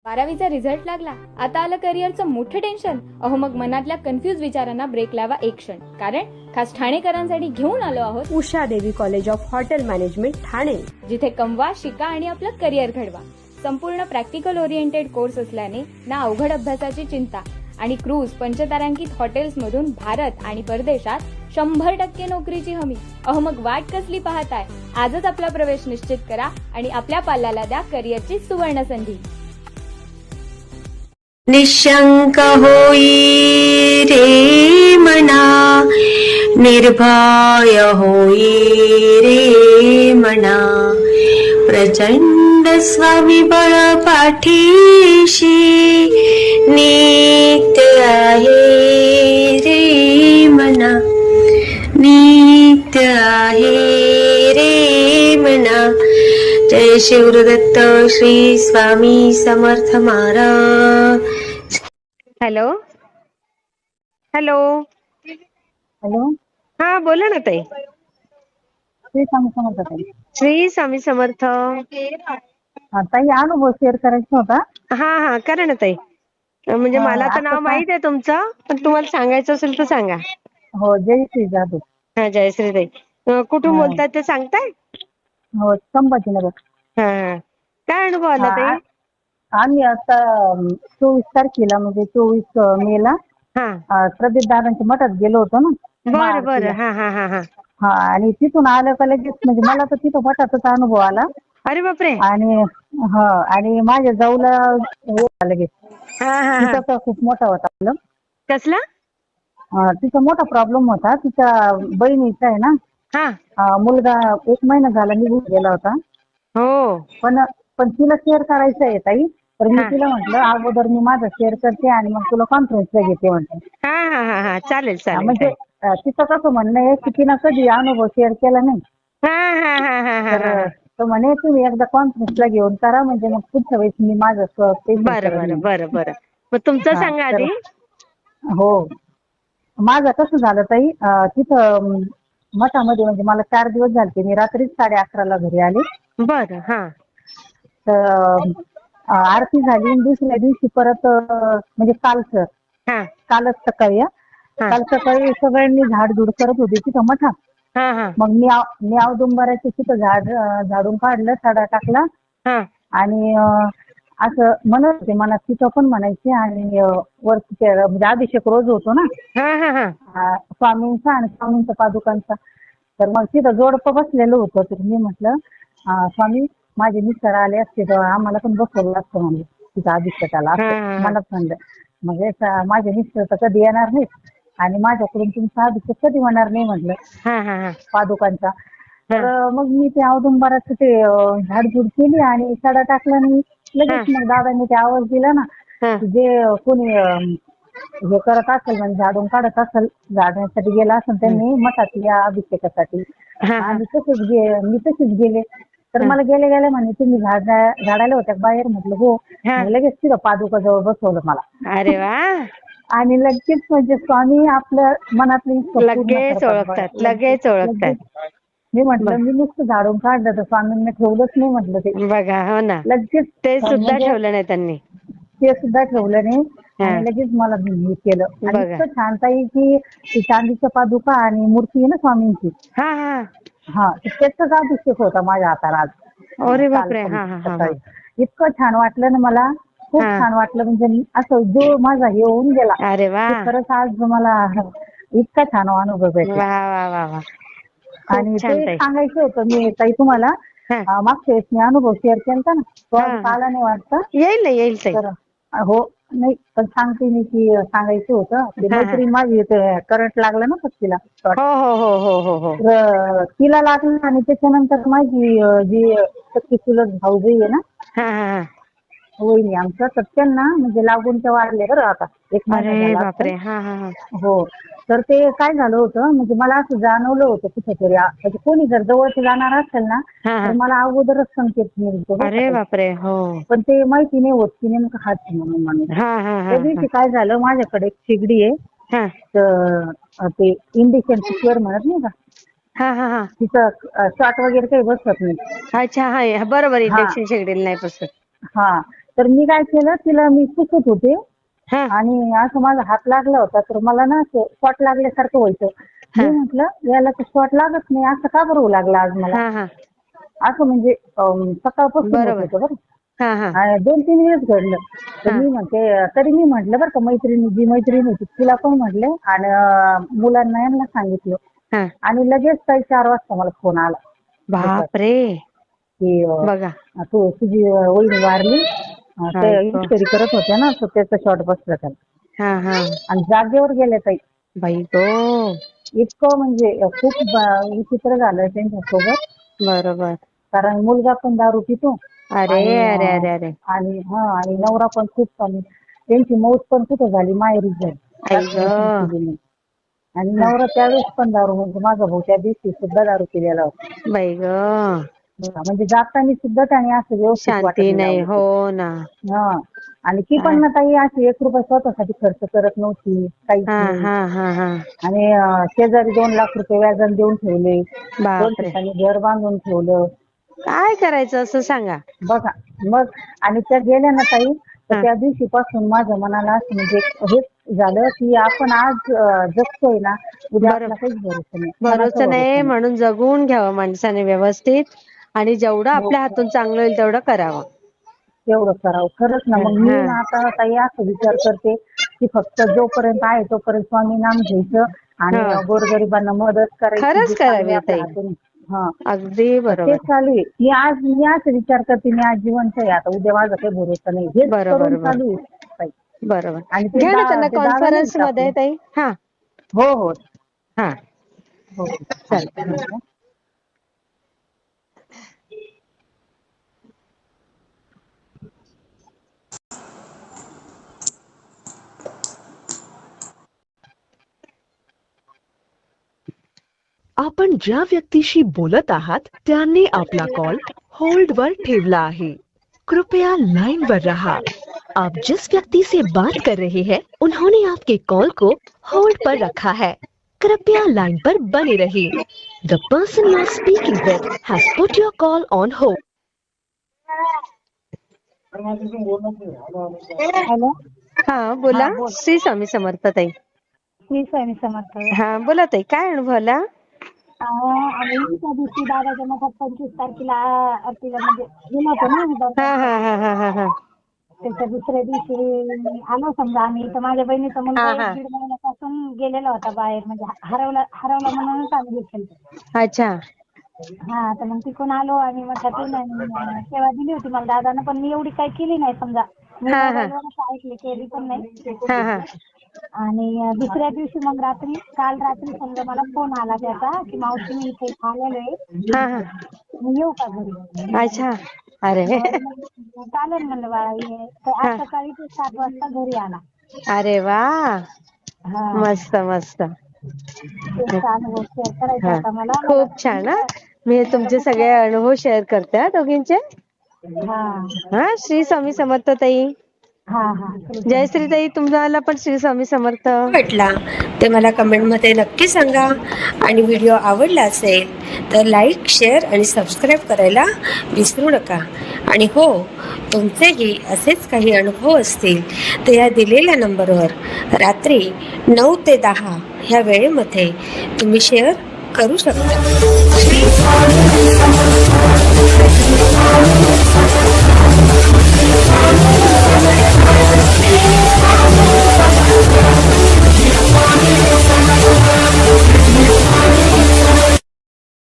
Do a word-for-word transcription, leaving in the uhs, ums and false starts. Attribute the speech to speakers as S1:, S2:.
S1: बारावीचा रिझल्ट लागला, आता आलं करिअरचं मोठं टेन्शन. अहो मग मनातल्या कन्फ्युज विचारांना ब्रेक लावा एक क्षण, कारण खास ठाणेकरांसाठी घेऊन आलो आहोत
S2: Usha Devi college of hotel management Thane,
S1: जिथे कमवा, शिका आणि आपलं करिअर घडवा. संपूर्ण प्रॅक्टिकल ओरिएंटेड कोर्स असल्याने ना अवघड अभ्यासाची चिंता आणि क्रूज पंचतारांकित हॉटेल्स मधून भारत आणि परदेशात शंभर टक्के नोकरीची हमी. अहो मग वाट कसली पाहताय? आजच आपला प्रवेश निश्चित करा आणि आपल्या पाल्याला द्या करिअरची सुवर्ण संधी.
S3: निशंक होई रे मना, निर्भय होई रे मना, प्रचंड स्वामीबळ पाठीशी नित्य आहे रे मना, नित्य आहे रे मना. Jai Shivdatt Shri Swami Samarth Maharaj. Hello hello
S4: hello,
S3: हा बोला ना ताई.
S4: श्री स्वामी समर्थ ताई.
S3: श्री स्वामी समर्थ.
S4: हा, ताई अनुभव शेअर करायचा होता.
S3: हा हा करा ना ताई. म्हणजे
S4: हा,
S3: मला तर
S4: आता
S3: नाव
S4: काय-
S3: माहित आहे तुमचं, पण तुम्हाला सांगायचं असेल तर सांगा.
S4: हो, जय श्री जाधव.
S3: हा जयश्री ताई. अं, कुठून
S4: हा.
S3: बोलताय ते सांगताय?
S4: हो, संभाजीनगर.
S3: हा हा. काय अनुभव आला
S4: हा,
S3: ताई?
S4: आ- आम्ही आता चोवीस तारखेला म्हणजे चोवीस मेला
S3: हा
S4: अं, प्रदीप दादांच्या मठात गेलो होतो ना.
S3: बरं
S4: महाआरतीला.
S3: बरं. हा हा हा हा.
S4: हा, आणि तिथून आलं का लगेच म्हणजे मला तर तिथं मठाचाच अनुभव आला.
S3: अरे बापरे.
S4: आणि हा, आणि माझ्या जाऊला हे आलं लगेच.
S3: हा हा हा.
S4: तिचा तर खूप मोठा होता प्रॉब्लेम.
S3: कसला?
S4: तिचा मोठा प्रॉब्लेम होता. तिच्या बहिणीचा आहे ना,
S3: हा.
S4: हा, मुलगा एक महिना झाला निघून गेला होता.
S3: हो.
S4: पण पण तिला शेअर करायचं आहे ताई. तर मी
S3: हा.
S4: तिला म्हटलं अगोदर मी माझं शेअर करते आणि मग तुला कॉन्फरन्सला घेते म्हटलं.
S3: हा हा हा हा. चालेल
S4: हा,
S3: चालेल
S4: म्हणजे
S3: ताई.
S4: अं, तिचं कसं म्हणणं आहे की तिनं कधी अनुभव शेअर केला नाही.
S3: हा हा हा हा हा
S4: तर
S3: हा.
S4: तो म्हणे तुम्ही एकदा कॉन्फरन्सला घेऊन करा, म्हणजे मग पुढच्या वेळेस मी माझं पेशंट
S3: बरं
S4: करत
S3: बरं
S4: नाही.
S3: बरं बरं. मग तुमचं
S4: हा,
S3: सांगा
S4: तर
S3: आधी.
S4: हो, माझं कसं झालं ताई, अं, तिथं अं, मठामध्ये म्हणजे मला चार दिवस झाले. मी रात्रीच साडे अकराला घरी आले.
S3: बरं. हा
S4: तर अं, आरती झाली आणि दुसऱ्या दिवशी परत अं, म्हणजे कालचं
S3: हा
S4: कालच सकाळी, हं.
S3: हा
S4: काल सकाळी सगळ्यांनी झाडझूड करत होती तिथं मठात.
S3: हा हा
S4: मग मी आव- मी औदुंबराच्या तिथं झाड अं, झाडून काढलं, सडा टाकला
S3: हा
S4: आणि अं, असं म्हणत होते मनात, तिथं पण म्हणायचे आणि अं, वरती ते म्हणजे अभिषेक रोज होतो ना
S3: हा हा हा.
S4: अं, स्वामींचा आणि स्वामींचा पादुकांचा. तर मग तिथं जोडपं बसलेलं होतं. तर मी म्हटलं अं, स्वामी माझे मिस्टर आले असते तर आम्हाला पण बसवलं असतं म्हणजे तिथं अभिषेकाला,
S3: हा,
S4: असं
S3: हा, हा.
S4: मनात म्हणलं. मग याचा माझे मिस्टर तर कधी येणार नाहीत आणि माझ्याकडून तुमचा अभिषेक कधी होणार नाही म्हटलं
S3: हा हा हा.
S4: पादुकांचा. तर
S3: हा.
S4: अं, मग मी ते औदुंबराचं ते अं, झाडझूड केली आणि सडा टाकला आणि लगेच
S3: हा.
S4: मग दादांनी ते आवाज दिला ना
S3: हा.
S4: की जे अं, कोणी अं, हे करत असेल म्हणजे झाडून काढत असेल, झाडण्यासाठी गेला असेल त्यांनी मठात या अभिषेकासाठी.
S3: हा, हा.
S4: आणि तसेच गे मी तसेच गेले. तर
S3: हा.
S4: मला गेले गेले म्हणे तुम्ही झाड झाडायला होत्या का बाहेर? म्हटलं हो.
S3: हा.
S4: मग लगेच तिथं पादुकाजवळ बसवलं मला.
S3: अरे वा.
S4: आणि लगेच म्हणजे स्वामी आपल्या मनातली इच्छा पूर्ण
S3: लगेच
S4: करतात बघा.
S3: ओळखतात, लगेच ओळखतात.
S4: लगेच मी म्हटलं मी नुसतं झाडून काढलं तर स्वामींनी ठेवलंच नाही म्हटलं ते.
S3: बघा. हो ना.
S4: लगेच
S3: ते सुद्धा
S4: म्हणजे
S3: ठेवलं नाही त्यांनी.
S4: ते सुद्धा ठेवलं नाही
S3: हा.
S4: आणि लगेच मला हे केलं. आणि
S3: बघा.
S4: इतकं छान ताई की ती चांदीच्या पादुका आणि मूर्ती आहे ना स्वामींची,
S3: हा हा.
S4: हा, तर त्याचाच अभिषेक होता माझ्या हाताला आज.
S3: अरे
S4: काल
S3: बापरे.
S4: पण
S3: हा हा हा हा.
S4: सकाळी इतकं छान वाटलं ना मला, खूप
S3: हा.
S4: छान वाटलं. म्हणजे असं जो माझा हे होऊन गेला
S3: अरे वा.
S4: की खरंच आज मला इतका छान अनुभव भेटला.
S3: वा वा वा वा. खूप
S4: आणि ते
S3: छान
S4: एक
S3: ताई.
S4: सांगायचं होतं मी ताई तुम्हाला.
S3: हा
S4: अं, मागच्या वेळेस मी अनुभव शेअर केला ना, तो
S3: हा
S4: अजून
S3: हा.
S4: आला नाही वाटतं.
S3: येईल ना, येईल ताई.
S4: तर अं, हो, नाही पण सांगते मी की सांगायचं होतं. ते
S3: हा हा.
S4: मैत्रीण माझी करंट लागला ना तिला शॉर्ट.
S3: हो हो हो हो हो हो.
S4: तर तिला लागलं आणि त्याच्यानंतर माझी अं, जी सख्खी चुलत भाऊजी आहे ना,
S3: हा हा हा.
S4: वहिनी आमच्या, तर त्यांना म्हणजे लागून ते वाढले बरं आता एक महिना
S3: अरे
S4: झाला असेल.
S3: बापरे. हा हा हा.
S4: हो, तर ते काय झालं होतं म्हणजे मला असं जाणवलं होतं कुठेतरी, आ- म्हणजे कोणी जर जवळचं जाणार असेल ना
S3: हा
S4: तर
S3: हा.
S4: मला अगोदरच संकेत मिळतो बरं का
S3: अरे
S4: ताई.
S3: बापरे. हो.
S4: पण ते माहिती नाही होत की नेमकं हाच आहे म्हणून माणूस.
S3: हा हा हा
S4: त्या
S3: हा.
S4: दिवशी काय झालं, माझ्याकडे एक शेगडी आहे.
S3: हा
S4: तर अं, ते इंडिशन कुकर म्हणत नाही का,
S3: हा हा हा.
S4: तिचं शॉट वगैरे काही बसत नाही.
S3: अच्छा. हा बरोबर.
S4: हा
S3: इंडक्शन शेगडीला नाही बसत.
S4: हा, तर मी काय केलं, तिला मी पुसत होते
S3: हा
S4: आणि असं माझा हात लागला होता, तर मला ना असं शॉट लागल्यासारखं व्हायचं. मी
S3: हा.
S4: म्हटलं याला तर शॉट लागत नाही, असं का बरं होऊ लागलं आज मला.
S3: हा हा
S4: असं म्हणजे अं, सकाळपासून होत
S3: बरोबर.
S4: होतं बरं.
S3: हा हा
S4: आणि दोन तीन वेळेस घडलं. तर
S3: हा.
S4: मी म्हणते, तरी मी म्हटलं बरं का, मैत्रिणी जी मैत्रीण होती तिला पण म्हटले आणि अं, मुलांना यांना सांगितलं.
S3: हा
S4: आणि लगेच काही चार वाजता मला फोन आला
S3: बापरे
S4: की अं,
S3: बघा.
S4: तू तुझी वहिनी वारली, अं, ते
S3: ऐक
S4: इन्क्वायरी करत होत्या ना, तर त्याचा शॉट बसला त्याला
S3: हा हा
S4: आणि जागेवर गेल्या ताई.
S3: बाई गो.
S4: इतकं म्हणजे अं, खूप ब- विचित्र झालं त्यांच्यासोबत.
S3: बरोबर.
S4: कारण मुलगा पण दारू पितो
S3: अरे
S4: आणि
S3: अरे
S4: अं,
S3: अरे अरे
S4: आणि हा आणि नवरा पण खूप चालू. त्यांची मौत पण कुठं झाली, माहेरीच झाली,
S3: आई
S4: सासरी पण
S3: ग.
S4: केली नाही. आणि नवरा त्यावेळेस पण दारू, म्हणजे माझा भाऊ त्या दिवशी सुद्धा दारू पिलेला होता.
S3: बाई ग.
S4: म्हणजे जाताना सुद्धा त्याने असं व्यवस्थित वाटत
S3: शांती
S4: नाही
S3: नाही.
S4: लावलं
S3: हो
S4: ते.
S3: ना.
S4: हा आणि ती पण ना ताई अशी एक रुपया स्वतःसाठी खर्च करत नव्हती, काहीच
S3: हा
S4: नाही.
S3: हा हा हा
S4: आणि अं, शेजारी दोन लाख रुपये व्याजाने देऊन ठेवले, दोन
S3: बापरे.
S4: ठिकाणी घर बांधून ठेवलं.
S3: काय करायचं असं सांगा.
S4: बघा मग. आणि त्या गेल्या ना ताई, तर
S3: हा
S4: त्या दिवशीपासून माझ्या मनाला असं म्हणजे हेच झालं की आपण आज अं, जगतोय ना, उद्या आपला
S3: बरोबर.
S4: काहीच भरोसा नाही, कोणाचा
S3: भरोसा नाही
S4: भरोसा नाही.
S3: म्हणून जगून घ्यावं माणसाने व्यवस्थित आणि जेवढं
S4: हो,
S3: आपल्या हातून चांगलं होईल तेवढं करावं.
S4: तेवढं करावं खरंच ना. मग मी
S3: हा
S4: ना आता ताई असं विचार करते की फक्त जोपर्यंत आहे तोपर्यंत स्वामी नाम घ्यायचं आणि
S3: हा
S4: गोरगरिबांना मदत करायची,
S3: खरंच
S4: जी चांगली
S3: करावी
S4: आपल्या
S3: ताई.
S4: हातून. हा
S3: अगदी
S4: तर तेच
S3: बरोबर.
S4: चालू आहे. मी आज मी असं विचार करते, मी आज जिवंत आहे, आता उद्या माझा काही भरोसा नाही, हेच
S3: बरोबर
S4: करून
S3: बरोबर
S4: चालू आहे ताई.
S3: बरोबर.
S4: आणि ते
S3: घ्या ना
S4: दा
S3: त्यांना
S4: ते दादा नाही
S3: कॉन्फरन्स
S4: का
S3: मध्ये
S4: आपले.
S3: ताई. हा
S4: हो हो
S3: हा
S4: हो
S3: चालतं.
S4: हा.
S5: आपण ज्या व्यक्तीशी बोलत आहात त्यांनी आपला कॉल होल्ड वर ठेवला आहे. कृपया लाइन पर रहा. आप जिस व्यक्ति से बात कर रहे हैं उन्होंने आपके कॉल को होल्ड पर रखा है. कृपया लाइन पर बने रहिए. The person you are speaking with has put your call on hold.
S4: Hello.
S3: हा बोला.
S4: हा बोल.
S3: श्री स्वामी समर्थ ताई.
S4: मी स्वामी समर्थ.
S3: हा बोला ताई, काय अनुभव आला?
S4: आणि त्या दिवशी दादाच्या मठात पंचवीस तारखेला आरतीला म्हणजे गेलो होतो ना आम्ही
S3: हा
S4: दर्शनाला.
S3: हा हा हा हा हा
S4: त्याच्या दुसऱ्या दिवशी आलो समजा आम्ही, तर माझ्या बहिणीचा मुलगा
S3: हा
S4: एक
S3: हा
S4: दीड महिन्यापासून गेलेला होता बाहेर, म्हणजे हरवला हरवला म्हणूनच आम्ही घेतलं.
S3: अच्छा.
S4: हा तर मग तिकडून आलो आणि मठातून आणि अं, सेवा दिली होती मला दादानं, पण मी एवढी काही केली नाही समजा. मी
S3: हा हा
S4: मोबाईलवरच ऐकले, केली पण नाही.
S3: हा हा
S4: आणि अं, दुसऱ्या दिवशी मग रात्री, काल रात्री समजा मला फोन आला त्याचा की मावशी मी इथे आलेलो आहे,
S3: हा हा
S4: मी येऊ का घरी.
S3: अच्छा. अरे
S4: मग मग चालेल म्हणलं बाळा ये. तर आज
S3: हा.
S4: सकाळी ते सात वाजता घरी आला.
S3: अरे वा.
S4: हा
S3: मस्त मस्त.
S4: तेच अनुभव शेअर करायचा
S3: हा
S4: होता मला. मला
S3: खूप छान. हा मी
S4: मला
S3: तुमचे
S4: बुक
S3: सगळे अनुभव शेअर करते हा दोघींचे.
S4: हा
S3: हा श्री स्वामी समर्थ ताई.
S4: हा हा
S3: जय श्री ताई, तुम्हाला पण श्री स्वामी समर्थ.
S2: वाटला ते मला कमेंटमध्ये नक्की सांगा. आणि व्हिडिओ आवडला असेल तर लाईक, शेअर आणि सबस्क्राईब करायला विसरू नका. आणि हो, तुमचेही असेच काही अनुभव असतील तर या दिलेल्या नंबरवर रात्री नऊ ते दहा ह्या वेळेमध्ये तुम्ही शेअर करू शकता.